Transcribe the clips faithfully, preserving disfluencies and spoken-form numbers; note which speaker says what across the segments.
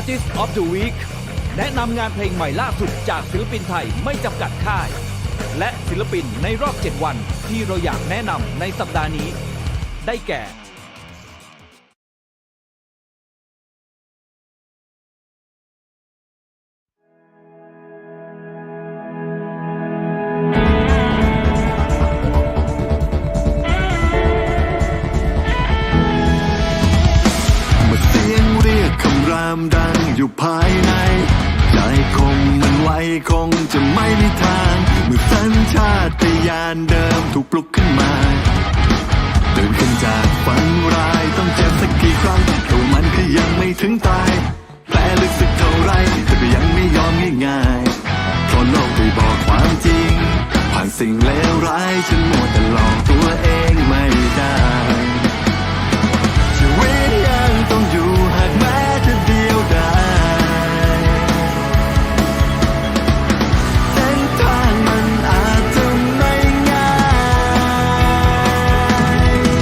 Speaker 1: Artist of the Week แนะนำงานเพลงใหม่ล่าสุดจากศิลปินไทยไม่จำกัดค่าย และศิลปินในรอบเจ็ดวันที่เราอยากแนะนำในสัปดาห์นี้ ได้แก่
Speaker 2: ดังอยู่ภายในใจคงมันไว้คงจะไม่มีทางเมื่อสัญชาตญาณเดิมถูกปลุกขึ้นมาตื่นขึ้นจากฝันร้ายต้องเจ็บสักกี่ครั้งตัวมันก็ยังไม่ถึงตายแผลลึกสักเท่าไรแต่ก็ยังไม่ยอมง่ายๆเพราะโลกได้บอกความจริงผ่านสิ่งเลวร้ายฉันมัวแต่หลอกตัวเองไม่ได้ชีวิตยังต้องอยู่หากแม้จะเดียวดายเส้นทางมันอาจจะไม่ง่าย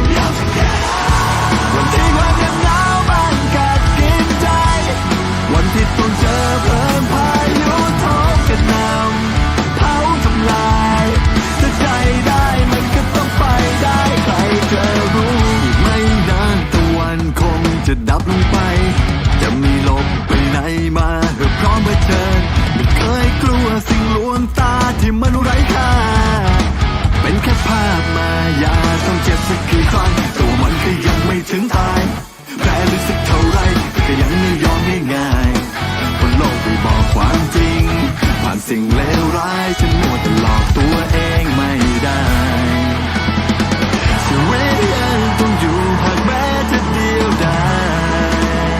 Speaker 2: วันที่ความเหน็บหนาวมันกัดกินใจวันที่ต้องเจอเพลิงพายุโถมกระหน่ำเผาทำลายถ้าใจได้มันก็ต้องไปได้ใครจะรู้อีกไม่นานตะวันคงจะดับลงไปจะมีลมไปไหนมาเพื่อพร้อมเผชิญไม่เคยกลัวสิ่งลวงตาที่มันไร้ค่าเป็นแค่ภาพมายาต้องเจ็บสักกี่ครั้งตัวมันก็ยังไม่ถึงตายแผลลึกสักเท่าไรแต่ก็ยังไม่ยอมง่ายๆคนโลกได้บอกความจริงผ่านสิ่งเลวร้ายฉันมัวแต่หลอกตัวเองไม่ได้ชีวิตยังต้องอยู่หากแม้จะเดียวดาย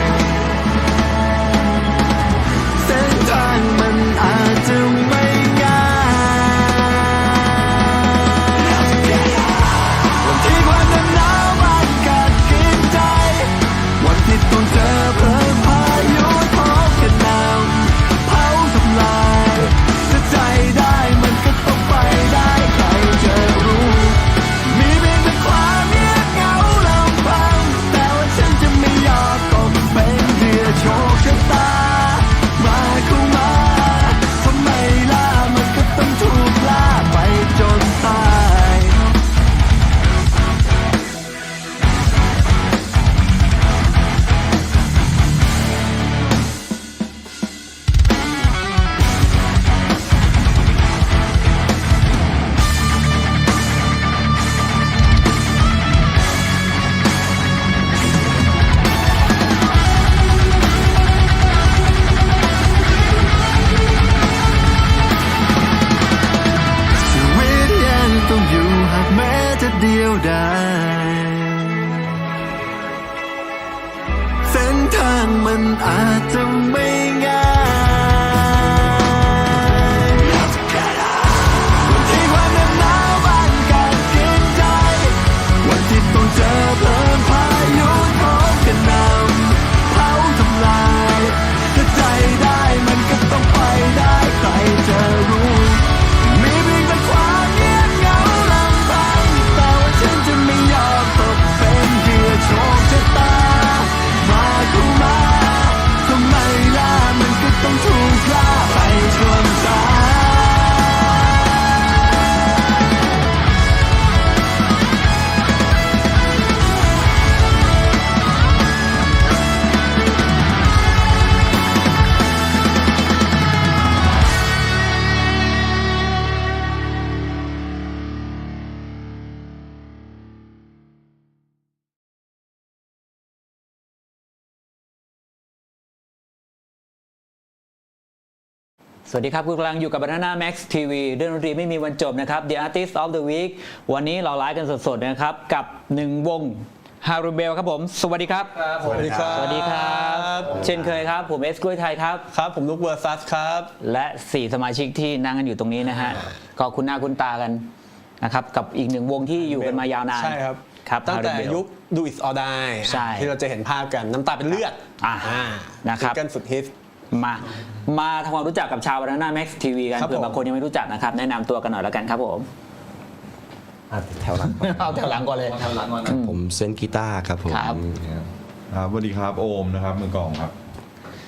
Speaker 2: เส้นทางมันอาจจะไม่ง่ายวันที่ความเหน็บหนาวมันกัดกินใจวันที่ต้องเจอเพลิงพายุโถมกระหน่ำเผาทำลายถ้าใจได้มันก็ต้องไปได้ใครจะรู้มีเพียงแต่ความเงียบเหงาลำพังแต่ว่าฉันจะไม่ยอมตกเป็นเหยื่อโชคชะตามาเข้ามาทำไมล่ะมันก็ต้องถูกล่าไปจนตายชีวิตยังต้องอยู่หากแม้จะเดียวดายเส้นทางมันอาจจะไม่ง่ายวันที่ความเหน็บหนาวมันกัดกินใจวันที่ต้องเจอเพลิงพายุโถมกระหน่ำเผาทำลายถ้าใจได้มันก็ต้องไปได้ใครจะรู้มีเพียงแต่ความเงียบเหงาลำพังแต่ว่าฉันจะไม่ยอมตกเป็นเหยื่อโชคชะตามาเข้ามาทำไมล่ะมันก็ต้องถูกล่าไปจนตาย
Speaker 3: สวัสดีครับคุณกำลังอยู่กับ Banana Max ที วี เรื่องดนตรีไม่มีวันจบนะครับ The Artist of the Week วันนี้เราไลฟ์กันสดๆนะครับกับหนึ่งวง ฮารุเบลครับผมสวัสดีครับ
Speaker 4: สวัสดีครับ
Speaker 3: สวัสดีครับเช่นเคยครับผมเอสกล้วยไทยครับ
Speaker 4: ครับผมลูกเวอร์ซัสครับ
Speaker 3: และสี่สมาชิกที่นั่งกันอยู่ตรงนี้นะฮะก็คุณหน้าคุณตากันนะครับกับอีกหนึ่งวงที่อยู่กันมายาวนาน
Speaker 4: ใช่ครับ
Speaker 3: ครับ
Speaker 4: ตั้งแต่ยุค Do It or Die ที่เราจะเห็นภาพกันน้ำตาเป็นเลือด
Speaker 3: นะครับ
Speaker 4: กันสุดฮิต
Speaker 3: มามาทำความรู้จักกับชาว Banana Max ที วี กันเผื่อบางคนยังไม่รู้จักนะครับแนะนำตัวกันหน่อยแล้วกันครับผม
Speaker 5: แถวหลัง
Speaker 3: เอาแถวหลังก่อนเลย
Speaker 5: ผมเซนกีตาร์ครับผม
Speaker 3: ครับ
Speaker 6: สวัสดีครับโอมนะครับมือกลองครับ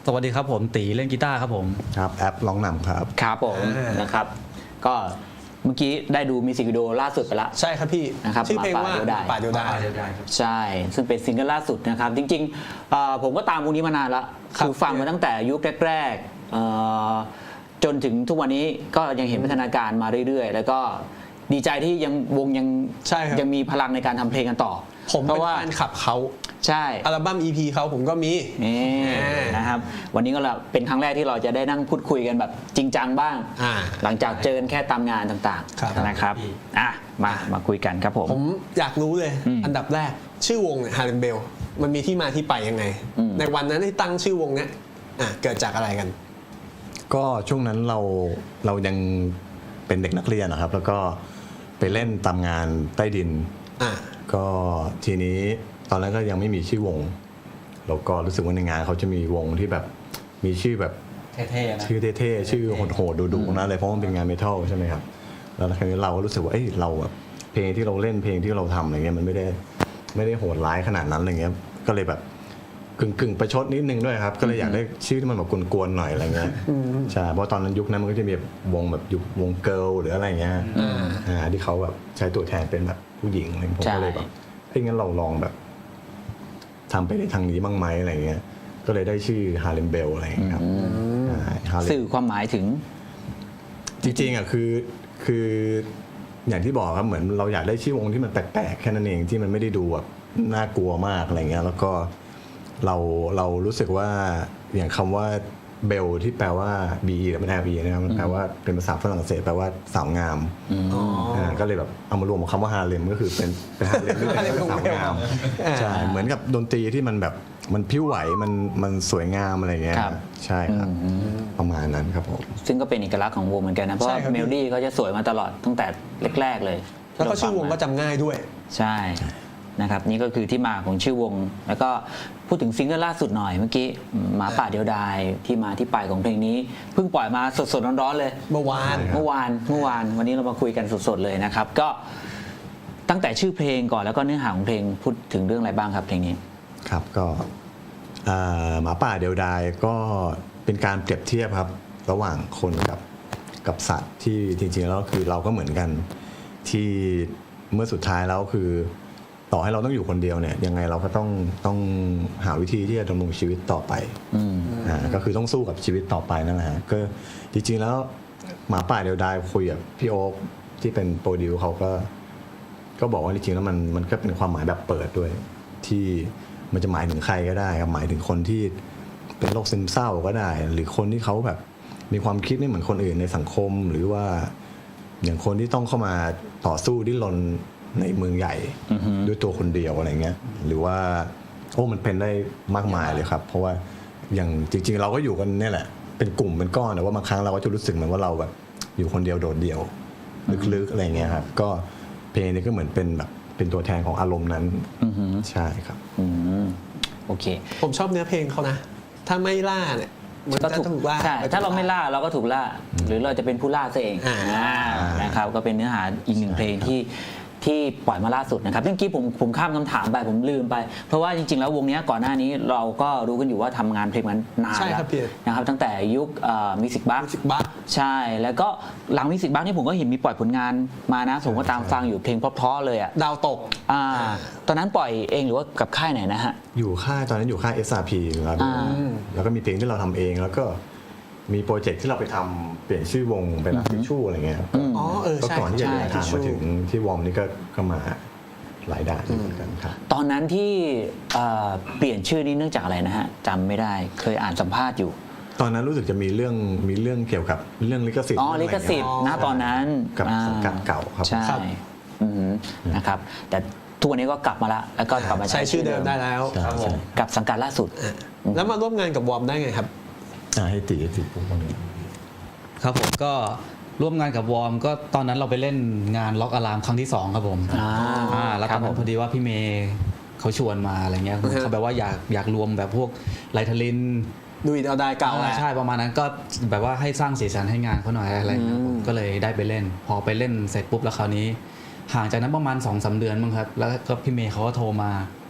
Speaker 6: สวัสดีครับผมตีเล่นกีตาร์ครับผม
Speaker 5: ครับแอปร้องนำครับ
Speaker 3: ครับผม
Speaker 4: อ่าน
Speaker 3: นะครับ ก็เมื่อกี้ได้ดูมิวสิกวิดีโอล่าสุดไปละ
Speaker 4: ใช่ครับพี่
Speaker 3: นะครับ
Speaker 4: ชื่อเพลงว่า
Speaker 3: หมาป่า
Speaker 4: ป่า
Speaker 3: เดี
Speaker 4: เดี
Speaker 3: ย
Speaker 4: ยว ว
Speaker 3: ดา
Speaker 4: ดาย ย
Speaker 3: ใช่ ซึ่งเป็นซิงเกิลล่าสุดนะครับ จริงๆเอ่อผมก็ตามวงนี้มานานละ
Speaker 4: ครับ
Speaker 3: คือฟังมาตั้งแต่ยุคแรกๆเอ่อจนถึงทุกวันนี้ก็ยังเห็นพัฒนาการมาเรื่อยๆ แล้วก็ดีใจที่ยังวงยัง
Speaker 4: ใช่ครับ
Speaker 3: ยังมีพลังในการทำเพลงกันต่อ
Speaker 4: ผม
Speaker 3: เพ
Speaker 4: เป็น
Speaker 3: ราะว่า
Speaker 4: แฟนคลับเขา
Speaker 3: ใช่
Speaker 4: อัลบั้ม อี พี เขาผมก็มี
Speaker 3: นี่
Speaker 4: อ่าน
Speaker 3: นะครับ วันนี้ก็เป็นครั้งแรกที่เราจะได้นั่งพูดคุยกันแบบจริงจังบ้าง
Speaker 4: อ่า
Speaker 3: หลังจากเจอกันแค่ตามงานต่าง
Speaker 4: ครับ
Speaker 3: ๆนะครับอ่ะมามาคุยกันครับผม
Speaker 4: ผมอยากรู้เลย
Speaker 3: อืม
Speaker 4: อันดับแรกชื่อวงเนี่ยฮาร์เลมเบลมันมีที่มาที่ไปยังไง
Speaker 3: อืม
Speaker 4: ในวันนั้นที่ตั้งชื่อวงเนี้ยอ่ะเกิดจากอะไรกัน
Speaker 5: ก็ช่วงนั้นเราเรายังเป็นเด็กนักเรียนนะครับ แล้วก็ไปเล่นตามงานใต้ดิน
Speaker 4: อ่ะ
Speaker 5: ก็ทีนี้ตอนนั้นก็ยังไม่มีชื่อวงแล้วก็รู้สึกว่าในงานเขาจะมีวงที่แบบมีชื่อแบบ
Speaker 6: เท่ๆนะ
Speaker 5: ชื่อเท่ๆชื่อโหดๆดุๆนะเลยเพราะมันเป็นงานเมทัลใช่ไหมครับแล้วครั้นี้เราก็รู้สึกว่าเอ้ยเราแบบเพลงที่เราเล่นเพลงที่เราทำอะไรเงี้ยมันไม่ได้ไม่ได้โหดร้ายขนาดนั้นอะไรเงี้ยก็เลยแบบกึ่งกึ่งๆประชดนิดนึงด้วยครับ ก็เลยอยากได้ชื่อที่มันแบบกวนๆหน่อยอะไรเงี้ยใช่เพราะตอนนั้นยุคนั้นมันก็จะมีแบบวงแบบยุควงเกิร์ลหรืออะไรเงี้ยอ่าที่เขาแบบใช้ตัวแทนเป็นแบบผู้หญิงอะไรผมก็เลยแบบเฮ้ยงั้นเราลองแบบทำไปในทางนี้บ้างไหมอะไรเงี้ยก็เลยได้ชื่อฮาเลมเบลอะไรเงี้ยครับอ่า Harlem
Speaker 3: สื่อความหมายถึง
Speaker 5: จริงๆอ่ะคือคืออย่างที่บอกครับเหมือนเราอยากได้ชื่อวงที่มันแปลกๆแค่นั้นเองที่มันไม่ได้ดูแบบน่ากลัวมากอะไรเงี้ยแล้วก็เราเรารู้สึกว่าอย่างคำว่าเบลที่แปลว่า B E หรือเป็น L E นะครับมันแปลว่าเป็นภาษาฝรั่งเศสแปลว่าสาวงามอ่าก็เลยแบบเอามารวมกับคำว่าฮาเลมก็คือเป็นเป็นฮาเลมที่แปลว่าสาวงามใช่เหมือนกับดนตรีที่มันแบบมันพิ้วไหวมันมันสวยงามอะไรเงี้ย
Speaker 3: ครับ
Speaker 5: ใช่ครับประมาณนั้นครับผม
Speaker 3: ซึ่งก็เป็นเอกลักษณ์ของวงเหมือนกันนะ เพราะ
Speaker 4: ใช่
Speaker 3: ว่า
Speaker 4: ครับ
Speaker 3: เมโลดี้เขาจะสวยมาตลอดตั้งแต่แรกๆเลย
Speaker 4: แล้วก็ชื่อวงก็จำง่ายด้วย
Speaker 3: ใช่นะครับนี่ก็คือที่มาของชื่อวง แล้วก็พูดถึงซิงเกิลล่าสุดหน่อยเมื่อกี้หมาป่าเดียวดายที่มาที่ไปของเพลงนี้เพิ่งปล่อยมาสดๆร้อนๆเลย
Speaker 4: เมื่อวาน
Speaker 3: เมื่อวานเมื่อวานวันนี้เรามาคุยกันสดๆเลยนะครับ ก็ตั้งแต่ชื่อเพลงก่อนแล้วก็เนื้อหาของเพลงพูดถึงเรื่องอะไรบ้างครับเพลงนี้
Speaker 5: ครับก็เอ่อหมาป่าเดียวดายก็เป็นการเปรียบเทียบครับระหว่างคนกับกับสัตว์ที่จริงๆแล้วคือเราก็เหมือนกันที่เมื่อสุดท้ายแล้วคือต่อให้เราต้องอยู่คนเดียวเนี่ยยังไงเราก็ต้องต้องหาวิธีที่จะดำรงชีวิตต่อไปอ่าก็คือต้องสู้กับชีวิตต่อไปนั่นแหละฮะก็จริงๆแล้วหมาป่าเดียวดายคุยกับพี่โอ๊คที่เป็นโปรดิวเขาก็ก็บอกว่าจริงๆแล้วมันมันก็เป็นความหมายแบบเปิดด้วยที่มันจะหมายถึงใครก็ได้ครับหมายถึงคนที่เป็นโรคซึมเศร้าก็ได้ หรือคนที่เขาแบบมีความคิดไม่เหมือนคนอื่นในสังคม หรือว่าอย่างคนที่ต้องเข้ามาต่อสู้ดิ้นรนในเมืองใหญ่ด้วยตัวคนเดียวอะไรเงี้ยหรือว่าโอ้มันเป็นได้มากมายเลยครับ เพราะว่าอย่างจริงๆเราก็อยู่กันเนี่ยแหละเป็นกลุ่มเป็นก้อนแต่ว่าบางครั้งเราก็จะรู้สึกเหมือนว่าเราแบบอยู่คนเดียวโดดเดี่ยวลึกๆอะไรเงี้ยครับก็เพลงนี้ก็เหมือนเป็นแบบเป็นตัวแทนของอารมณ์นั้นใช่ครับ
Speaker 3: อืมโอเค
Speaker 4: ผมชอบเนื้อเพลงเขานะ ถ้าไม่ล่าเนี่ยมัน
Speaker 3: ก็
Speaker 4: จะ
Speaker 3: ถูก
Speaker 4: ถูกล่า
Speaker 3: ใช่ถ้าเราไม่ล่าเราก็ถูกล่า หรือเราจะเป็นผู้ล่าซะเอง
Speaker 4: อ่า
Speaker 3: อ่านะครับก็เป็นเนื้อหาอีกหนึ่งเพลงที่ที่ปล่อยมาล่าสุดนะครับเมื่อกี้ผมผมข้ามคำถามไปผมลืมไป เพราะว่าจริงๆแล้ววงนี้ก่อนหน้านี้เราก็รู้กันอยู่ว่าทำงานเพลงมันนาน
Speaker 4: ใช่
Speaker 3: แล้ว
Speaker 4: ครับพี่
Speaker 3: นะครับตั้งแต่ยุคมิวสิกบัค
Speaker 4: Music Box
Speaker 3: ใช่แล้วก็หลังมิวสิกบัคนี่ผมก็เห็นมีปล่อยผลงานมานะผมก็ตามฟังอยู่เพลงเพราะๆเลยอ่ะ
Speaker 4: ดาวตก
Speaker 3: อ่าตอนนั้นปล่อยเองหรือว่ากับค่ายไหนนะฮะ
Speaker 5: อยู่ค่ายตอนนั้นอยู่ค่าย เอส อาร์ พี ครับ
Speaker 3: อ่า
Speaker 5: แล้วก็มีเพลงที่เราทำเองแล้วก็มีโปรเจกต์ที่เราไปทำเปลี่ยนชื่อวงเป็นลักทิชชู่อะไรเงี้ย
Speaker 4: อ๋อเออ
Speaker 5: ก็
Speaker 4: ใช่
Speaker 5: ก่อนที่จะ
Speaker 3: ใช่
Speaker 5: เดินทางมาถึงที่วอร์มนี่ก็ก็มาหลายด่านอยู่เหมือนกันครับ
Speaker 3: ตอนนั้นที่เอ่อเปลี่ยนชื่อนี้เนื่องจากอะไรนะฮะจำไม่ได้เคยอ่านสัมภาษณ์อยู่
Speaker 5: ตอนนั้นรู้สึกจะมีเรื่องมีเรื่องเกี่ยวกับเรื่องลิขสิทธิ์
Speaker 3: อ๋อ
Speaker 5: เรื่
Speaker 3: ลิ
Speaker 5: งะ
Speaker 3: ข
Speaker 5: ไรเงี้ย
Speaker 3: สิทธิ์ณตอนนั้น
Speaker 5: กับ
Speaker 3: อ่า
Speaker 5: สังกัดเก่าครับ
Speaker 3: ใช่
Speaker 4: ครับ
Speaker 3: อือหือนะครับแต่ทุกวันนี้ก็กลับมาละแล้วก็กลับมา
Speaker 4: ใช้ชื่อเดิมได้แล้ว
Speaker 5: ใช่ใช่
Speaker 3: กับสังกัดล่าสุด
Speaker 4: แล้วมาร่วมงานกับวอร์มได้ไงครับ
Speaker 5: อ่าให้ตีให้ตีปุ๊บตรงนี้
Speaker 6: ครับผมก็ร่วมงานกับวอร์มก็ตอนนั้นเราไปเล่นงานล็อกอะลามครั้งที่สองครับผม
Speaker 3: อ่า
Speaker 6: อ่าแล้ว
Speaker 3: ค
Speaker 6: ต
Speaker 3: รั
Speaker 6: อบ น
Speaker 3: ผ
Speaker 6: นั้
Speaker 3: ม
Speaker 6: นพอดีว่าพี่เมย์เขาชวนมาอะไรเงี้ย
Speaker 4: อือฮะ
Speaker 6: เขาแบบว่าอยากอยากรวมแบบพวกไลทลิน
Speaker 4: ดูอิดเอาได้เก่าแหละ
Speaker 6: ใช่ประมาณนั้นก็แบบว่าให้สร้างสีสันให้งานเขาหน่อยอะไรเงี้ย
Speaker 4: อืม
Speaker 6: ผมก็เลยได้ไปเล่น พอไปเล่นเสร็จปุ๊บแล้วคราวนี้ ห่างจากนั้นประมาณสองสามเดือนมั้งครับแล้วก็พี่เมย์เขาก็โทรมา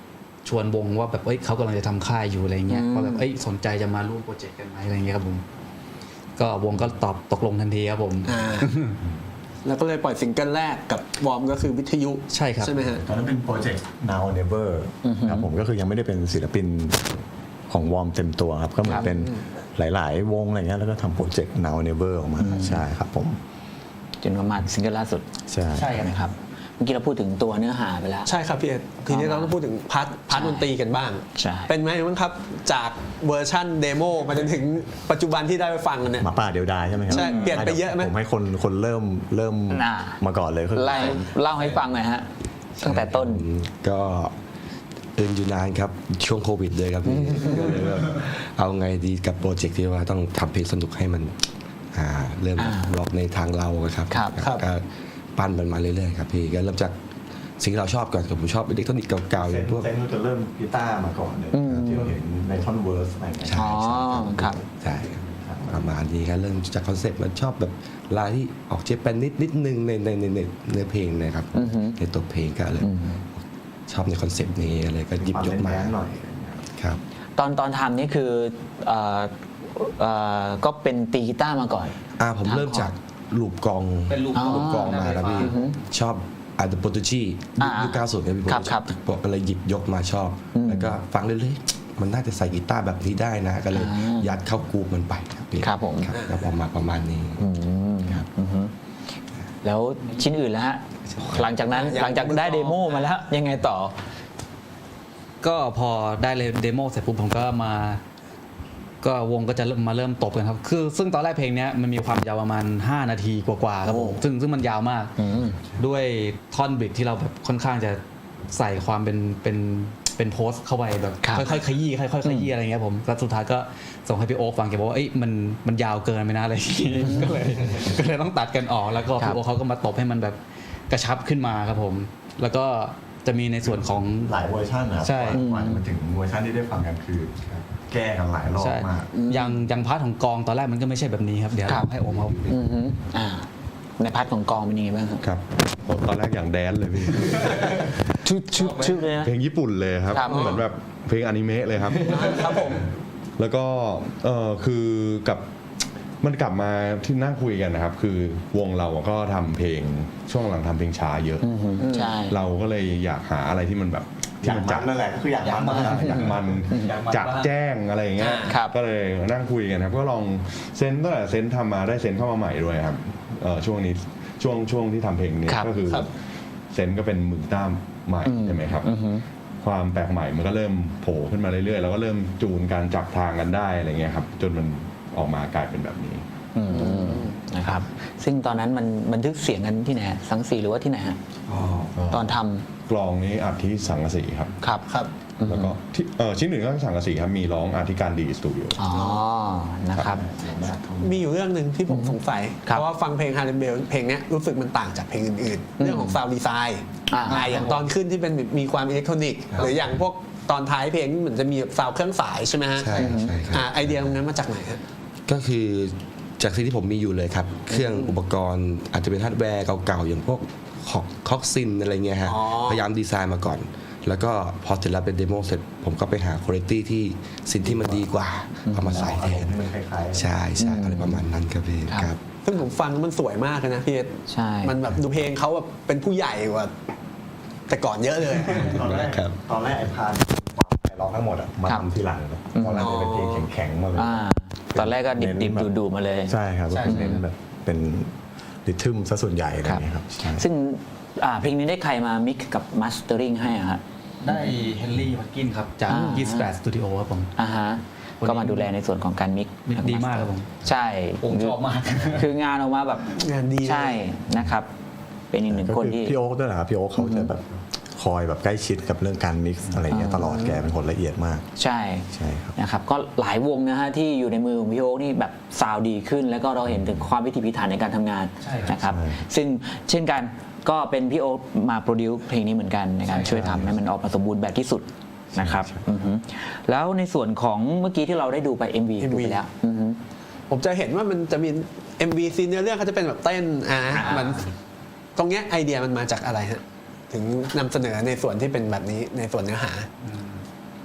Speaker 6: ชวนวงว่าแบบเอ้ยเขากำลังจะทำค่ายอยู่อะไรเงี้ยว่าแบบเอ้ยสนใจจะมาร่วมโปรเจกต์กันไหมอะไรเงี้ยครับผมก็วงก็ตอบตกลงทันทีครับผม
Speaker 4: อ่า แล้วก็เลยปล่อยซิงเกิลแรกกับวอร์มก็คือวิทยุ
Speaker 6: ใช่ครับ
Speaker 4: ใช่ไหมฮะ
Speaker 5: ตอนนั้นเป็นโปรเจกต์ now or never ครับผมก็คือยังไม่ได้เป็นศิลปินของวอร์มเต็มตัวครับก็เหมือนเป็นหลาย ๆ วงอะไรเงี้ยแล้วก็ทำโปรเจกต์ now or never ออกมาใช่ครับผม
Speaker 3: จนประมาณซิงเกิลล่าสุด
Speaker 5: ใช่
Speaker 6: ใช่ครับ
Speaker 3: นะครับเมื่อกี้เราพูดถึงตัวเนื้อหาไปแล้ว
Speaker 4: ใช่ครับพี่เอ็ดทีนี้เราต้องพูดถึงพาร์ทพาร์ทดนตรีกันบ้าง
Speaker 3: ใช่
Speaker 4: เป็นไหมบ้างครับจากเวอร์ชั่นเดโมมาจนถึงปัจจุบันที่ได้ไปฟังกันเนี่ย
Speaker 5: หมาป่าเดียวดายใช่ไหมครับ
Speaker 4: ใช่เปลี่ยนไปเยอะไหม
Speaker 5: ผมให้คนคนเริ่มเริ่ม
Speaker 3: น่า
Speaker 5: มาก่อนเลยคือ
Speaker 3: ไล่เล่าให้ฟังหน่อยฮะตั้งแต่ต้น
Speaker 7: ก็เอินอยู่นานครับช่วงโควิดเลยครับพี่ก็เลยแบบเอาไงดีกับโปรเจกต์ที่ว่าต้องทำเพลงสนุกให้มันอ่าเริ่มล็อกในทางเราอะครับ
Speaker 3: ครับ
Speaker 4: ครับ
Speaker 7: ก็ปั้นมันมาเรื่อยๆครับพี่ก็เริ่มจากสิ่งที่เราชอบก่อนกับผมชอบอิเล็กทรอนิกส์เก่าๆอ
Speaker 5: เซ
Speaker 7: ย่าน งพวก
Speaker 5: เซนจะเริ่มกีตาร์มาก่อนเลยที่เราเห็นในท่อนเวิร์สอะไรเงี้ย
Speaker 3: อ๋อครับ
Speaker 7: ใช่ครับประมาณนี้ครับเริ่มจากคอนเซ็ปต์มันชอบแบบลายที่ออกเจแปนนิดนิดนึงในในในในเนื้อเพลงนะครับ
Speaker 3: อือฮึ
Speaker 7: ในตัวเพลงก็เลยชอบในคอนเซ็ปต์นี้อะไรก็หยิบยกมา
Speaker 5: แนๆหน่อยอะไรเงี้ย
Speaker 7: ครับ
Speaker 3: ตอนตอนทำนี่คือเอ่อเอ่อก็เป็นตีกีตาร์มาก่อน
Speaker 7: อ่าผมเริ่มจากลูปกลอง
Speaker 6: เป็นลูป
Speaker 7: ลูปกลองมาครับพี่
Speaker 3: อือฮึ
Speaker 7: ชอบอาร์ตโปรตุจี
Speaker 3: อ่า
Speaker 7: ยุคเก้าสิบครับพี่ผม
Speaker 3: ครับครับ
Speaker 7: บอกก็เลยหยิบยกมาชอบ แล้วก็ฟังเรื่อยๆมันน่าจะใส่กีตาร์แบบนี้ได้นะ ก็เลย
Speaker 3: อ่ายั
Speaker 7: ยัดเข้ากรูปมันไปครับพี่
Speaker 3: ครับผม
Speaker 7: แล้วพอมาประมาณนี้
Speaker 3: อืมอือฮึแล้วชิ้นอื่นแล้วฮะหลังจากนั้น
Speaker 4: ยัง
Speaker 3: หลังจากได้เดโมมาแล้วยังไงต่อ
Speaker 6: ก็พอได้เลยเดโมเสร็จปุ๊บผมก็มา ก็วงก็จะเริ่มมาเริ่มตบกันครับคือซึ่งตอนแรกเพลงเนี้ยมันมีความยาวประมาณห้านาทีกว่าๆครับผมซึ่งซึ่งมันยาวมาก
Speaker 3: อืม
Speaker 6: ด้วยท่อนบริดที่เราแบบค่อนข้างจะใส่ความเป็นเป็นเป็นโพสต์เข้าไปแบบ
Speaker 3: ครับ
Speaker 6: ค่อยๆขยี้ค่อยๆขยี้อะไรเงี้ยผมแล้วสุดท้ายก็ส่งให้พี่โอ๊คฟังแกบอกว่าเอ้ยมันมันยาวเกินไปนะอะไรอย่างงี้ ก็เลยก็เลยต้องตัดกันออกแล้วก็
Speaker 3: ครับ
Speaker 6: พี่โอ๊คเขาก็มาตบให้มันแบบกระชับขึ้นมาครับผม แล้วก็จะมีในส่วนของ
Speaker 5: หลายเวอร์ชันนะครับ
Speaker 6: ใช่
Speaker 5: กว่าจะมาถึงเวอร์ชันที่ได้ฟังกันคือ แก้กันหลายรอบ
Speaker 6: ใช่
Speaker 5: มาก
Speaker 6: อย่างอย่างพาร์ทของกองตอนแรกมันก็ไม่ใช่แบบนี้ครับเดี๋ยว
Speaker 3: ครับ
Speaker 6: ให้โอมเขา
Speaker 3: อือฮึอ่าในพาร์ทของกองเป็นยังไงบ้างครับ
Speaker 8: ครับผมตอนแรกอย่างแดนเลยพี่
Speaker 3: ชื่อชื่อชื่อเลยนะ
Speaker 8: เพลงญี่ปุ่นเลยครับ
Speaker 3: ครับ
Speaker 8: เหมือนแบบเพลงอนิเมะเลยครับ
Speaker 4: ครับผม
Speaker 8: แล้วก็เออคือกับมันกลับมาที่นั่งคุยกันนะครับ คือวงเราก็ทำเพลงช่วงหลังทำเพลงช้าเยอะ
Speaker 3: อือฮึใช่
Speaker 8: เราก็เลยอยากหาอะไรที่มันแบบ
Speaker 5: อ
Speaker 8: ที่
Speaker 5: ยาก
Speaker 8: มัน
Speaker 5: มั
Speaker 8: จั
Speaker 5: น
Speaker 8: ด
Speaker 5: นั่นแหละก็คืออยากมันมาก
Speaker 8: อยากมันจัดแจ้งอะไรอย่างเงี้ย
Speaker 3: ครับ
Speaker 8: ก็เลยนั่งคุยกันครับก็ลองเซนตั้งแต่เซนทำมาได้เซนเข้ามาใหม่ด้วยครับเออช่วงนี้ช่วงช่วงที่ทำเพลงนี้
Speaker 3: ครับ
Speaker 8: ก็คือ
Speaker 4: ครับ
Speaker 8: เซนก็เป็นมือกีต้าร์ใหม่
Speaker 3: อืม
Speaker 8: ใช่ไหมครับ
Speaker 3: อือฮึ
Speaker 8: ความแปลกใหม่มันก็เริ่มโผล่ขึ้นมาเรื่อยๆ แล้วก็เริ่มจูนการจับทางกันได้อะไรเงี้ยครับจนมันออกมากลายเป็นแบบนี้
Speaker 3: อืมนะครับ ซึ่งตอนนั้นมันบันทึกเสียงกันที่ไหนฮะสังสีหรือว่าที่ไหนฮะตอนทำ
Speaker 8: กลองนี้อัดที่สังกะสีครับ
Speaker 3: ครับ
Speaker 4: ครับ
Speaker 8: แล้วก็ที่เออชิ้นหนึ่งก็สังกะสีครับมีร้องอาร์ติการดีสตูดิโอ
Speaker 3: อ๋อนะครับ
Speaker 4: มีอยู่เรื่องหนึ่งที่ผมสงสัย
Speaker 3: ครั
Speaker 4: เพ
Speaker 3: บ
Speaker 4: ราะว่าฟังเพลงฮาร์เรนเบลเพลงเนี้ยรู้สึกมันต่างจากเพลงอื่นๆ เรื่องของซาวด์ดีไซน์
Speaker 3: อ่า
Speaker 4: อ่าอย่างตอนขึ้นที่เป็นมีความอิเล็กทรอนิกส์หรืออย่างพวกตอนท้ายเพลงเหมือนจะมีซาวด์เครื่องสายใช่ไหมฮะ
Speaker 7: ใช่ครับใช่ครับ
Speaker 4: อ่าไอเดียตรงนั้นมาจากไหนฮะ
Speaker 7: ก็คือจากสิ่งที่ผมมีอยู่เลยครับ เครื่องอุปกรณ์อาจจะเป็นฮาร์ดแวร์เก่าๆ อย่างพวกคอกซินอะไรเงี้ยฮะ
Speaker 4: อ๋อ
Speaker 7: พยายามดีไซน์มาก่อน แล้วก็พอเสร็จแล้วเป็นเดโมเสร็จ ผมก็ไปหาคุณภาพที่สิ่งที่มันดีกว่าเอามาใส่แทน
Speaker 5: มันคล้ายๆ
Speaker 7: ใช่ใช่อะไรประมาณนั้นครับพี่
Speaker 3: ครับ
Speaker 7: ครับ
Speaker 4: ซึ่งผมฟังมันสวยมากเลยนะพี่เอ็ด
Speaker 3: ใช่
Speaker 4: มันแบบดูเพลงเขาแบบเป็นผู้ใหญ่กว่า แต่ก่อนเยอะเลย
Speaker 5: ตอนแรก
Speaker 7: ครับ
Speaker 5: ตอนแรกไอ้พานความไอ้ร้องทั้งหมดอะมา
Speaker 3: ครับ
Speaker 5: ทำทีหลังครับตอนแรกจะเป็นเพลงแข็งๆมาเลย
Speaker 3: อ่าตอนแรกก็ดิบดิบดูดูๆมาเลย
Speaker 5: ใช่ครับก็เน้นแบบเป็นริทึมซะส่วนใหญ่อะไรอย่างเงี้ยครับใช่
Speaker 3: ซึ่งอ่าเพลงนี้ได้ใครมามิกกับมาสเตอริงให้อะฮะ
Speaker 6: ได้เฮนรี่วัตกินครับจาก
Speaker 3: อ่า
Speaker 6: ยี่สิบแปดสตูดิโอครับผม
Speaker 3: อ่าฮะ
Speaker 6: วันนี้
Speaker 3: ก็มาดูแลในส่วนของการมิก
Speaker 6: มิกดีมากครับผม
Speaker 3: ใช่
Speaker 6: ผมชอบมาก
Speaker 3: คืองานออกมาแบบ
Speaker 4: งานดีเลย
Speaker 3: ใช่นะครับ เป็นอีกหนึ่ง
Speaker 5: ก็
Speaker 3: คน
Speaker 5: คือ
Speaker 3: ที่
Speaker 5: พี่โอ๊คด้วยนะครับพี่โอ๊คเขาจะแบบคอยแบบใกล้ชิดกับเรื่องการมิกซ์อะไรเงี้ยตลอดแกเป็นคนละเอียดมาก
Speaker 3: ใช่
Speaker 5: ใช่ครับ
Speaker 3: นะครับก็หลายวงนะฮะที่อยู่ในมือของพี่โอ๊คนี่แบบซาวด์ดีขึ้น แล้วก็เราเห็นถึงความพิถีพิถันในการทำงาน
Speaker 6: ใช่ครับ
Speaker 3: นะครับ
Speaker 5: ใช่
Speaker 3: ซึ่งเช่นกันก็เป็นพี่โอ๊คมาโปรดิวซ์เพลงนี้เหมือนกันในการช่วยทำให้มันออกมาสมบูรณ์แบบที่สุดนะครับอือฮึแล้วในส่วนของเมื่อกี้ที่เราได้ดูไป เอ็ม วี ดูไปแล้วอือฮึ
Speaker 4: ผมจะเห็นว่ามันจะมี เอ็ม วี ซีนเนื้อเรื่องเขาจะเป็นแบบเต้นอ่า
Speaker 3: อ่ามั
Speaker 4: มันตรงเนี้ยไอเดียมันมาจากอะไรฮะถึงนำเสนอในส่วนที่เป็นแบบนี้ในส่วนเนื้อหา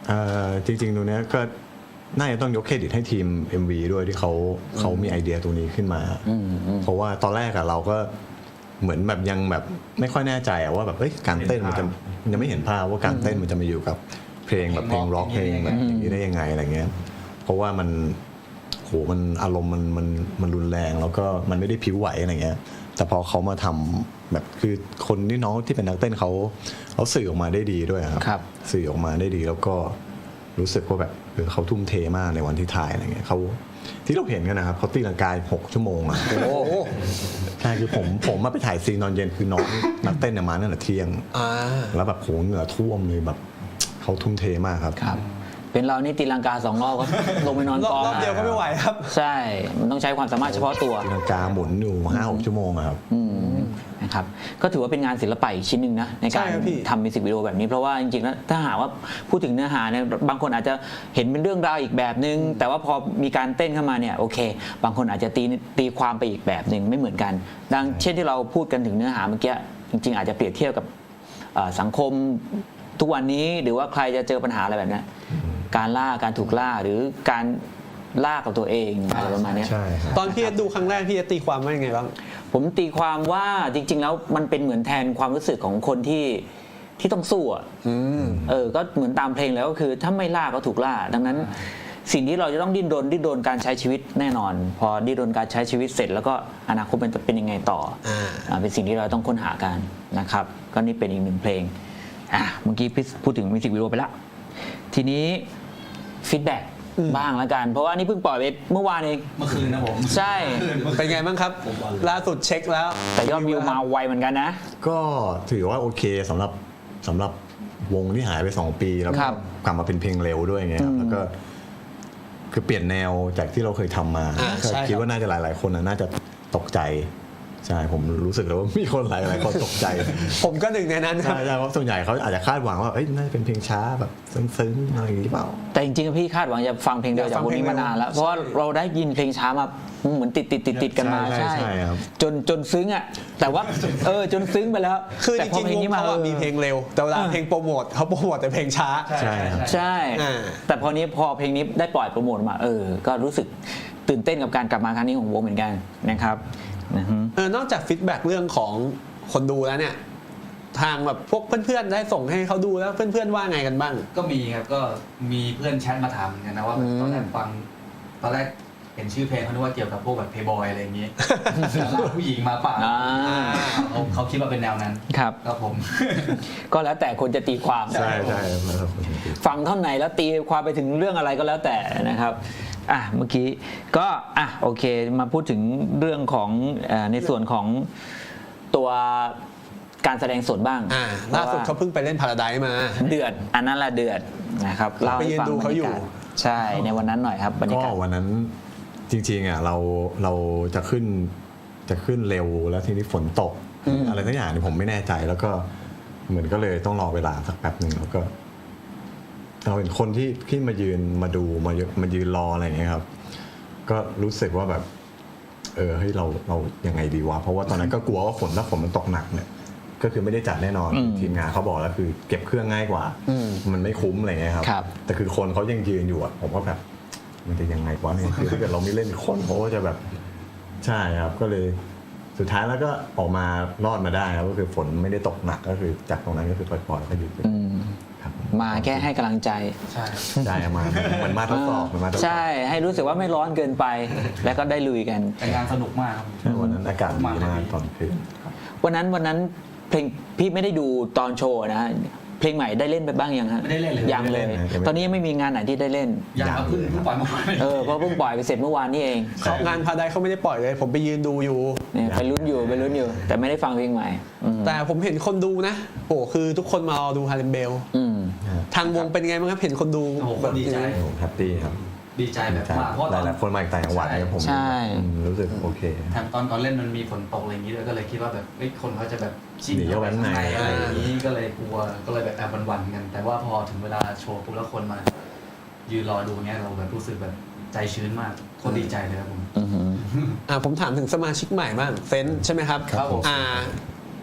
Speaker 5: เอ่อจริงๆตรงเนี้ยก็น่าจะต้องยกเครดิตให้ทีม เอ็ม วี ด้วยที่เขาเขามีไอเดียตรงนี้ขึ้นมา เพราะว่าตอนแรกอะเราก็เหมือนแบบยังแบบไม่ค่อยแน่ใจอะว่าแบบเอ้ยการเต้นมันจะยังไม่เห็นภาพว่าการเต้นมันจะมาอยู่กับเพลงแบบเพลงร็อกเพลงแบบอย่างนี้ได้ยังไงอะไรเงี้ยเพราะว่ามันโหมันอารมณ์มันมันมันรุนแรงแล้วก็มันไม่ได้ผิวไหวอะไรเงี้ยแต่พอเขามาทำแบบคือคนที่น้องที่เป็นนักเต้นเขาเขาสื่อออกมาได้ดีด้วยครับ
Speaker 3: ครับ
Speaker 5: สื่อออกมาได้ดีแล้วก็รู้สึกว่าแบบเออเขาทุ่มเทมากในวันที่ถ่ายอะไรเงี้ยเขาที่เราเห็นกันนะครับเขาตีลังกายหกชั่วโมงอ่ะใช่คือผมผมมาไปถ่ายซีนตอนเย็นคือน้องนักเต้นเนี่ยมาตั้งแต่เที่ยง
Speaker 4: อ่า
Speaker 5: แล้วแบบโหเหงื่อท่วมเลยแบบเขาทุ่มเทมากครับ
Speaker 3: ครับ เป็นเรานี่ตีลังกาสองรอบก็ ลงไปนอน
Speaker 4: รอบ
Speaker 3: กอง
Speaker 4: รอบเดียวก็ไม่ไหวครับ
Speaker 3: ใช่ มันต้องใช้ความสามารถเฉพาะตัว
Speaker 5: ตีลังกาหมุนอยู่ห้าหกชั่วโมงอะครับ
Speaker 3: อืมนะครับก็ถือว่าเป็นงานศิลปะอีกชิ้นหนึ่งนะในการ
Speaker 4: ใช่ครับพี่
Speaker 3: ทำมิวสิกวิดีโอแบบนี้เพราะว่าจริงๆแล้วถ้าหากว่าพูดถึงเนื้อหาเนี่ยบางคนอาจจะเห็นเป็นเรื่องราวอีกแบบนึง แต่ว่าพอมีการเต้นเข้ามาเนี่ยโอเค บางคนอาจจะตีตีความไปอีกแบบหนึ่งไม่เหมือนกัน ดังเช่นที่เราพูดกันถึงเนื้อหาเมื่อกี้จริงๆ อาจจะเปรียบเทียบกับเอ่อสังคมทุกวันนี้หรือว่าใครจะเจอปัญหาอะไรแบบนี้การล่าการถูกล่าหรือการล่ากับตัวเองอะไรประมาณเนี้ย
Speaker 5: ใช่ครับ
Speaker 4: ตอนพี่เอสดูครั้งแรกพี่เอสตีความว่ายังไงบ้าง
Speaker 3: ผมตีความว่าจริง ๆ แล้วมันเป็นเหมือนแทนความรู้สึกของคนที่ที่ต้องสู้อ่ะเออก็เหมือนตามเพลงแล้วก็คือถ้าไม่ล่าก็ถูกล่า ดังนั้นสิ่งที่เราจะต้องดิ้นรนดิ้นรนการใช้ชีวิตแน่นอน พอดิ้นรนการใช้ชีวิตเสร็จแล้วก็อนาคตมันจะเป็นยังไงต่ออ่าเป็นสิ่งที่เราต้องค้นหากันนะครับก็นี่เป็นอีกหนึ่งเพลงอ่ะเมื่อกี้พี่พูดถึงมิวสิกวิดีโอไปละทีนี้ฟีดแบ็กบ้างแล้วกัน เพราะว่านี่เพิ่งปล่อยไปเมื่อวานเอง
Speaker 6: เมื่อคืนนะผม
Speaker 3: ใช่
Speaker 4: เป็นไงบ้างครับ ล่าสุดเช็คแล้ว
Speaker 3: แต่ยอดวิวมาไวเหมือนกันนะ
Speaker 5: ก็ถือว่าโอเคสำหรับสำหรับวงที่หายไปสองปีแล้ว
Speaker 3: ค
Speaker 5: ก็
Speaker 3: รับ
Speaker 5: กลับมาเป็นเพลงเร็วด้วยอย่างเงี้ยครับแล้วก็คือเปลี่ยนแนวจากที่เราเคยทำมา
Speaker 4: อ่า
Speaker 5: ก็
Speaker 4: ใช่ครับ
Speaker 5: คิดว่าน่าจะหลาย ๆ คนน่ะน่าจะตกใจใช่ผมรู้สึกแล้วว่ามีคนหลายๆคนตกใจ
Speaker 4: ผมก็หนึ่งในนั้นครับ
Speaker 5: ใช่ใช่เพราะส่วนใหญ่เขาอาจจะคาดหวังว่าเอ้ยน่าจะเป็นเพลงช้าแบบซึ้งๆอะไรอย่างนี้เปล่า
Speaker 3: แต่จริงๆพี่คาดหวังจะฟังเพลงเดียวจากวงนี้มานานแล้ว เพราะว่าเราได้ยินเพลงช้ามาเหมือนติดติดติดติดๆกันมา
Speaker 5: ใช่ใช่ครับ
Speaker 3: จนจนซึ้งอ่ะแต่ว่าเออจนซึ้งไปแล้ว
Speaker 4: คือจ
Speaker 3: แต่พ
Speaker 4: ริง
Speaker 3: เพล
Speaker 4: ๆวง
Speaker 3: นี้มา
Speaker 4: เขาอะมีเพลงเร็ว แต่เวลาเพลงโปรโมทเขาโปรโมทแต่เพลงช้า
Speaker 5: ใช่ครับ
Speaker 3: ใช่
Speaker 4: อ่า
Speaker 3: แต่พอนี้พอเพลงนี้ได้ปล่อยโปรโมทมาเออก็รู้สึกตื่นเต้นกับการกลับมาครั้งนี้ของวงเหมือนกันนะครับนะฮะ
Speaker 4: เออนอกจากฟีดแบ็กเรื่องของคนดูแล้วเนี่ย ทางแบบพวกเพื่อนๆได้ส่งให้เขาดูแล้วเพื่อนๆว่าไงกันบ้าง
Speaker 6: ก็มีครับก็มีเพื่อนแชทมาถามเหมือนกันนะว่าแบบ
Speaker 4: อืม
Speaker 6: ตอนแรกฟังตอนแรกเห็นชื่อเพลงเขาคิดว่าเกี่ยวกับพวกแบบเพย์บอยอะไรอย่างงี้ แล้วผู้หญิงมาเปล่า
Speaker 3: อ่า
Speaker 6: เขาเขาคิดว่าเป็นแนวนั้น
Speaker 3: ครับ
Speaker 6: ครับผม
Speaker 3: ก็แล้วแต่คนจะตีความ
Speaker 5: ใช่ใช่ครับ
Speaker 3: ฟังเท่าไหนแล้วตีความไปถึงเรื่องอะไรก็แล้วแต่นะครับอ่ะเมื่อกี้ก็อ่ะโอเคมาพูดถึงเรื่องของเอ่อในส่วนของตัวการแสดงสดบ้าง
Speaker 4: อ่าล่าสุดเขาเพิ่งไปเล่นพาราไดซ์มา
Speaker 3: เดือดอันนั้นละเดือดนะครับเล่าให้ฟัง
Speaker 4: ไปยืนดูเขาอยู่
Speaker 3: บรรยากาศใช่ในวันนั้นหน่อยครับบรรยา
Speaker 5: ก็
Speaker 3: กาศ
Speaker 5: วันนั้นจริงๆอ่ะเราเราจะขึ้นจะขึ้นเร็วแล้วทีนี้ฝนตก อะไรทั้งอย่างเนี่ยผมไม่แน่ใจแล้วก็เหมือนก็เลยต้องรอเวลาสักแป๊บหนึ่งแล้วก็ เราเห็นคนที่ที่มายืนมาดูมามายืนรออะไรอย่างเงี้ยครับ ก็รู้สึกว่าแบบ เออเฮ้ยเราเรายังไงดีวะเพราะว่าตอนนั้นก็กลัวว่าฝนถ้าฝนมันตกหนักเนี่ย ก็คือไม่ได้จัดแน่นอน
Speaker 3: อืม
Speaker 5: ทีมงานเขาบอกแล้วคือเก็บเครื่องง่ายกว่า มันไม่คุ้มอะไรเงี้ยครับ
Speaker 3: ครับ
Speaker 5: แต่คือคนเขายังยืนอยู่อะผมก็แบบ มันจะยังไงวะเนี่ยคือถ้าเกิดเราไม่เล่นคนเขาก็จะแบบ ใช่ครับ ก็เลยสุดท้ายแล้วก็ออกมารอดมาได้ครับก็คือฝนไม่ได้ตกหนักก็คือจากตรงนั้นก็คือปล่อยๆก็หยุดเลย
Speaker 3: อืม
Speaker 5: ครับ
Speaker 3: มาแค่ให้กำลังใจ
Speaker 6: ใช่
Speaker 5: ใช่มามันมาทดสอบมันมาทดสอบ
Speaker 3: ใช่ให้รู้สึกว่าไม่ร้อนเกินไป แล้วก็ได้ลุยกัน
Speaker 6: แต่งานสนุกมากครับ
Speaker 5: ใช่วันนั้นอากาศดีมากตอนคืน
Speaker 3: วันนั้นวันนั้นเพลงพี่ไม่ได้ดูตอนโชว์นะฮะเพลงใหม่ได้เล่นไปบ้างยังฮะ
Speaker 6: ไม่ได้เล่นเลย
Speaker 3: ยังเลย
Speaker 5: ไม่ได้เล่นนะ
Speaker 3: ตอนนี้ยังไม่มีงานไหนที่ได้เล่น
Speaker 6: อยากเอาเพิ่งเพิ่งปล่อยมา
Speaker 3: เออเพราะเพิ่งปล่อยไปเสร็จเมื่อวานนี่เอง
Speaker 4: เขางานพาราไดซ์เขาไม่ได้ปล่อยเลย ผมไปยืนดูอยู่
Speaker 3: เนี่ยไปลุ้นอยู่ไปลุ้นอยู่ แต่ไม่ได้ฟังเพลงใหม่อืม
Speaker 4: แต่ผมเห็นคนดูนะโอ้คือทุกคนมารอดูฮาเลมเบล
Speaker 3: อืม
Speaker 4: ทางวงเป็นไงบ้างครับเห็นคนดู
Speaker 6: โอ้โหคนดีใจ
Speaker 5: ผมแฮปปี้ครับ
Speaker 6: ดีใจแบบมากเพราะ
Speaker 5: ห
Speaker 6: ตอน
Speaker 5: ลายๆคนมาจากต่างจังหวัดเนี่ยผม
Speaker 3: ใช่
Speaker 5: อืมรู้สึกโอเค
Speaker 6: แถมตอนตอนเล่นมันมีฝนตกอะไรอย่างนี้ด้วยก็เลยคิดว่าแบบเอ้ยคนเขาจะแบบชิน
Speaker 5: หนีเข้าไปข้างใน
Speaker 6: อะไรอย่างนี้ก็เลยกลัวก็เลยแบบแอบหวันๆกัน แต่ว่าพอถึงเวลาโชว์ปุ๊บแล้วคนมา ยืนรอดูเนี้ยเราแบบรู้สึกแบบใจชื้นมากโคนดีใจเลยครับผม
Speaker 3: อือหือ
Speaker 4: อ่าผมถามถึงสมาชิกใหม่บ้างเซนต์ใช่ไหมครับ
Speaker 6: ครับผม
Speaker 4: อ่า ไป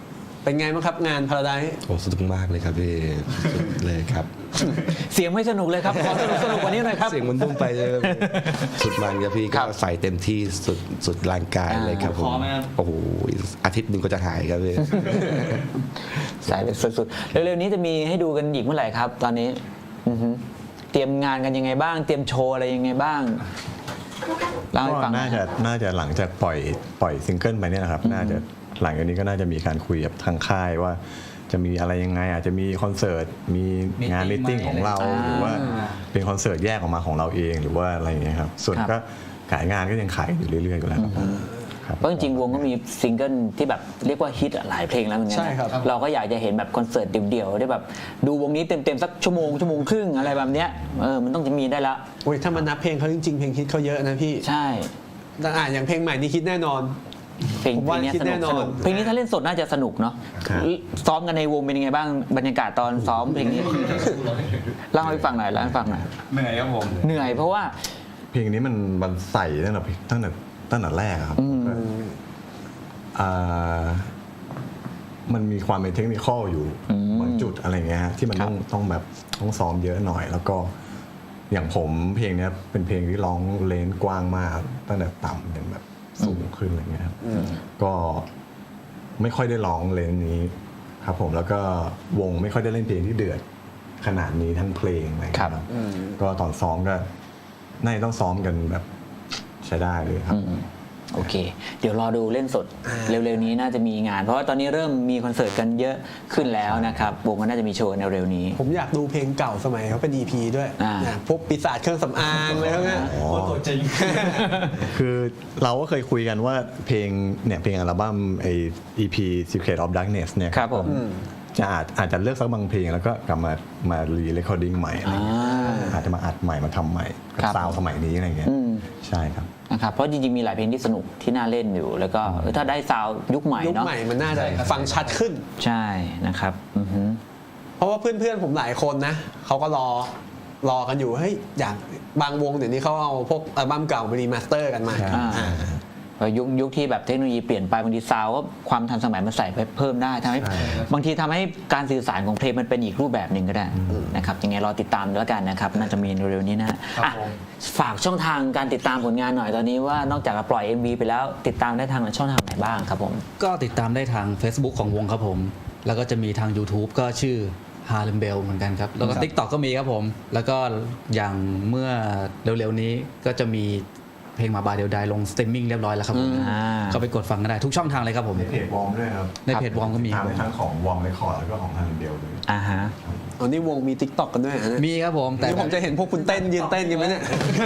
Speaker 4: เป็นไงบ้างครับงานพาราไดซ์
Speaker 7: โอ้สนุกมากเลยครับพี่สุดเลยครับ
Speaker 3: เสียงไม่สนุกเลยครับขอสนุกสนุกกว่านี้หน่อยครับ
Speaker 7: เสียงมันบุ้มไปเลยครับสุดมันครับพี่
Speaker 3: ครั
Speaker 7: ก็
Speaker 3: บ
Speaker 7: ใส่เต็มที่สุดสุดร่างกายเลยครับผม
Speaker 6: พอไหมครับ
Speaker 7: โอ้โหอาทิตย์หนึ่งก็จะหายครับพี่
Speaker 3: สายเป็นสุดๆ เร็วๆนี้จะมีให้ดูกันอีกเมื่อไหร่ครับ ตอนนี้อือฮึเตรียมงานกันยังไงบ้าง เตรียมโชว์อะไรยังไงบ้างเล่าให้
Speaker 5: ก็
Speaker 3: ฟังหน่
Speaker 5: น่า
Speaker 3: อย
Speaker 5: จะน่าจะหลังจากปล่อยปล่อยซิงเกิลไปเนี่ยนะครับ น่าจะหลังจากนี้ก็น่าจะมีการคุยกับทางค่ายว่า จะมีอะไรยังไงอาจจะมีคอนเสิร์ตมีงานมิทติ้งของเรา
Speaker 3: อ่า
Speaker 5: หรือว่าเป็นคอนเสิร์ตแยกออกมาของเราเองหรือว่าอะไรอย่างเงี้ยครับส่วน
Speaker 3: ครับ
Speaker 5: ก็ขายงานก็ยังขายอยู่เรื่อยๆอยู่แล้วครับครับ
Speaker 3: เพราะจริงๆวงก็มีซิงเกิลที่แบบเรียกว่าฮิตหลายเพลงแล้วเหมือนกั
Speaker 4: ใช่ครับ
Speaker 3: เราก็อยากจะเห็นแบบคอนเสิร์ตเดี่ยวๆได้แบบดูวงนี้เต็มๆสักชั่วโมงชั่วโมงครึ่งอะไรแบบเนี้ยเออมันต้องจะมีได้ละ
Speaker 4: โอ้ยถ้ามันนับเพลงเขาจริงๆเพลงฮิตเขาเยอะนะพี่
Speaker 3: ใช่
Speaker 4: แต่อ่าอย่างเพลงใหม่นี่ฮิตแน่นอน
Speaker 3: เพลง
Speaker 4: ผม
Speaker 3: เพล
Speaker 4: ว่าง
Speaker 3: เนี้ย
Speaker 4: คิด
Speaker 3: ส
Speaker 4: แน่
Speaker 3: นุก
Speaker 4: นอน
Speaker 3: สนุกเพลงนี้ถ้าเล่นสดน่าจะสนุกเนาะ
Speaker 5: ครับ
Speaker 3: ซ้อมกันในวงเป็นยังไงบ้างบรรยากาศตอนซ้อมเพลงนี้เล่าให้ฟังหน่อยเล่าให้ฟังหน่อย
Speaker 6: เหนื่อยครับผม
Speaker 3: เหนื่อยเพราะว่า
Speaker 5: เพลงนี้มันมันใส่ตั้งแต่ตั้งแต่ตั้งแต่แรกอะครับก็อ่ามันมีความเป็นเทคนิคอลอยู่
Speaker 3: อืม
Speaker 5: บางจุดอะไรเงี้ยฮะที่มัน
Speaker 3: ครับ
Speaker 5: ต้องต้องแบบต้องซ้อมเยอะหน่อย แล้วก็อย่างผมเพลงเนี้ยเป็นเพลงที่ร้องเลนส์กว้างมากครับตั้งแต่ต่ำจนแบบสูงขึ้นอะไรเงี้ยครับก็ไม่ค่อยได้ร้องเลนส์นี้ครับผมแล้วก็วงไม่ค่อยได้เล่นเพลงที่เดือดขนาดนี้ทั้งเพลงอะไรเงี้ยครับก็ตอนซ้อมก็น่าจะต้องซ้อมกันแบบใช้ได้เลยครับ
Speaker 3: อืมโอเค เดี๋ยวรอดูเล่นสด เร็วๆนี้น่าจะมีงาน เพราะว่าตอนนี้เริ่มมีคอนเสิร์ตกันเยอะขึ้นแล้วนะครับวงก็น่าจะมีโชว์ในเร็วนี้
Speaker 4: ผมอยากดูเพลงเก่าสมัยเขาเป็น อี พี ด้วย
Speaker 3: อ่า
Speaker 4: นะพวกปีศาจเครื่องสำอางอะไรพวกเนี้ย
Speaker 5: คือเราก็เคยคุยกันว่าเพลงเนี่ยเพลงอัลบั้มไอ อี พี Secret of Darkness เนี่ย
Speaker 3: ครับผม
Speaker 5: จะอาจอาจจะเลือกสักบางเพลงแล้วก็กลับมามารีเรคคอร์ดิ้งใหม่อะไร
Speaker 3: อ่า
Speaker 5: เงี้ยอาจจะมาอัดใหม่มาทำใหม่กับ
Speaker 3: ครับ
Speaker 5: ซาวด์สมัยนี้อะไรเงี้ย
Speaker 3: อืม
Speaker 5: ใช่ครับ
Speaker 3: นะครับเพราะจริงๆมีหลายเพลงที่สนุกที่น่าเล่นอยู่ แล้วก็เออถ้าได้ซาวด์ยุคใหม่
Speaker 4: ยุค
Speaker 3: เนาะ
Speaker 4: ใหม่มันน่าจะฟังชัดขึ้น
Speaker 3: ใช่นะครับอือฮึ
Speaker 4: เพราะว่าเพื่อนๆผมหลายคนนะเขาก็รอรอกันอยู่เฮ้ยอย่างบางวงเดี๋ยวนี้เขาเอาพวกอัลบั้มเก่ามารีมาสเตอร์กันมา
Speaker 5: ใช่
Speaker 3: อ่า
Speaker 4: อ่า
Speaker 3: เออยุคยุคที่แบบเทคโนโลยีเปลี่ยนไปบางทีซาวด์ก็ความทันสมัยมันใส่ไปเพิ่มได้ทำให้
Speaker 5: ใช่
Speaker 3: บางทีทำให้การสื่อสารของเพลงมันเป็นอีกรูปแบบหนึ่งก็ได้นะครับยังไงรอติดตามแล้วกันนะครับน่าจะมีเร็วๆนี้นะฮะอ่ะฝากช่องทางการติดตามผลงานหน่อยตอนนี้ว่านอกจากจะปล่อย เอ็ม วี ไปแล้วติดตามได้ทางช่องทางไหนบ้างครับผม
Speaker 6: ก็ติดตามได้ทาง Facebook ของวงครับผม แล้วก็จะมีทาง YouTube ก็ชื่อ Harlem Bell เหมือนกันครับ แล้วก็ TikTok ก็มีครับผม แล้วก็อย่างเมื่อเร็วๆนี้ก็จะมีเพลงมาบาเดียวดายลงสตรีมมิ่งเรียบร้อยแล้วครับผม
Speaker 3: อ่า
Speaker 6: ก็ไปกดฟังกันได้ทุกช่องทางเลยครับผม
Speaker 5: ในเพจวอร์มด้วยครับ
Speaker 6: ในเพจวอร์มก็มีค
Speaker 5: ทา
Speaker 6: รับ
Speaker 5: งทั้งของวอร์มเรคคอร์ดแล้วก็ของทางเดียวเลย
Speaker 3: อ่าฮะ
Speaker 4: อันนี้วงมี ติ๊กต็อก กันด้วยฮะเนี่ย
Speaker 6: มีครับผมแต่
Speaker 4: นี่ผมจะเห็นพวกคุณเต้นยืนเต้นกันไหมเนี่ย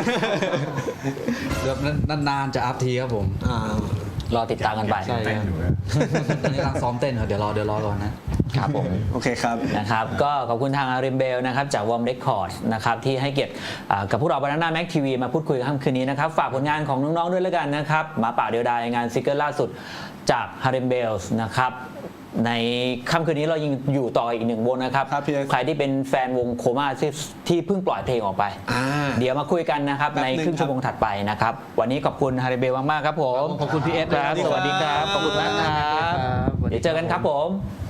Speaker 6: แบบนานๆจะอัพทีครับผม
Speaker 4: อ่าร
Speaker 3: อติดตามกันไป
Speaker 6: ใช่
Speaker 5: เต้นอยู่นะ
Speaker 6: ตอนนี้กำลังซ้อมเต้นครับเดี๋ยวรอเดี๋ยวรอก่อนนะ
Speaker 3: ครับผม
Speaker 4: โอเคครับ
Speaker 3: นะครับก็ขอบคุณทางอาริมเบลนะครับจากวอร์มเรคคอร์ดนะครับที่ให้เกียรติอ่ากับพวกเราบานาน่าแม็กทีวีมาพูดคุยกันค่ำคืนนี้นะครับฝากผลงานของน้องๆด้วยแล้วกันนะครับหมาป่าเดียวดายงานซิงเกิลล่าสุดจากฮาริมเบลนะครับในค่ำคืนนี้เรายังอยู่ต่ออีกหนึ่งวงนะครับ
Speaker 4: ครับพี่เอส
Speaker 3: ใครที่เป็นแฟนวงโคม่าที่ที่เพิ่งปล่อยเพลงออกไป
Speaker 4: อ่า
Speaker 3: เดี๋ยวมาคุยกันนะครับ
Speaker 4: แป๊บ
Speaker 3: ใน
Speaker 4: หนึ่ง
Speaker 3: ครึ่งชั่วโมงถัดไปนะครับวันนี้ขอบคุณฮาริมเบลมากๆครับผม
Speaker 6: ขอบคุณพี่เอส
Speaker 3: ครับ
Speaker 6: ด้วย
Speaker 3: สวัสดีครับขอบคุณมากครับ
Speaker 6: ครับ
Speaker 3: เดี๋ยวเจอกันครับผม